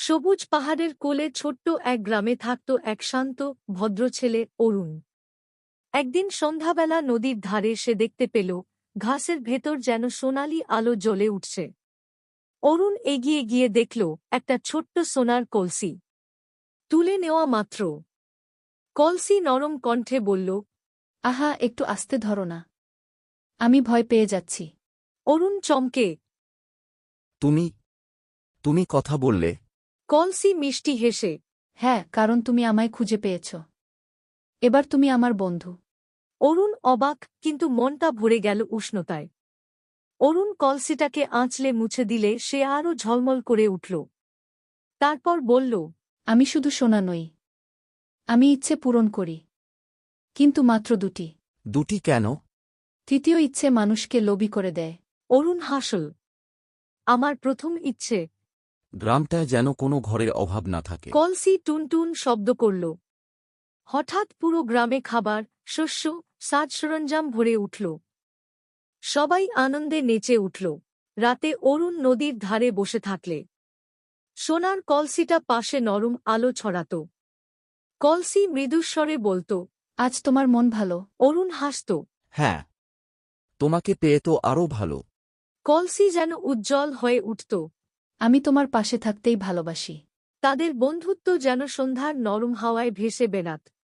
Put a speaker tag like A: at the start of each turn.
A: সবুজ পাহাড়ের কোলে ছোট্ট এক গ্রামে থাকত এক শান্ত ভদ্র ছেলে অরুণ। একদিন সন্ধ্যাবেলা নদীর ধারে সে দেখতে পেল ঘাসের ভেতর যেন সোনালি আলো জ্বলে উঠছে। অরুণ এগিয়ে গিয়ে দেখল একটা ছোট্ট সোনার কলসি। তুলে নেওয়া মাত্র কলসি নরম কণ্ঠে বলল,
B: আহা, একটু আস্তে ধরো না, আমি ভয় পেয়ে যাচ্ছি।
A: অরুণ চমকে।
C: তুমি তুমি কথা বললে?
A: কলসি মিষ্টি হেসে,
B: হ্যাঁ, কারণ তুমি আমায় খুঁজে পেয়েছ। এবার তুমি আমার বন্ধু।
A: অরুণ অবাক, কিন্তু মনটা ভরে গেল উষ্ণতায়। অরুণ কলসিটাকে আঁচলে মুছে দিলে সে আরও ঝলমল করে উঠল। তারপর বলল,
B: আমি শুধু সোনা নই, আমি ইচ্ছে পূরণ করি, কিন্তু মাত্র দুটি।
C: দুটি কেন?
B: তৃতীয় ইচ্ছে মানুষকে লোভী করে দেয়।
A: অরুণ হাসল। আমার প্রথম ইচ্ছে।
C: গ্রামটায় যেন কোনো ঘরের অভাব না থাকে।
A: কলসি টুনটুন শব্দ করল। হঠাৎ পুরো গ্রামে খাবার, শস্য, সাজ সরঞ্জাম ভরে উঠল। সবাই আনন্দে নেচে উঠল। রাতে অরুণ নদীর ধারে বসে থাকলে সোনার কলসিটা পাশে নরম আলো ছড়াত। কলসি মৃদুস্বরে বলত,
B: আজ তোমার মন ভালো?
A: অরুণ হাসত।
C: হ্যাঁ, তোমাকে পেয়ে তো আরও ভালো।
A: কলসি যেন উজ্জ্বল হয়ে উঠত।
B: আমি তোমার পাশে থাকতেই ভালোবাসি।
A: তাদের বন্ধুত্ব যেন সন্ধ্যার নরম হাওয়ায় ভেসে বেড়াত।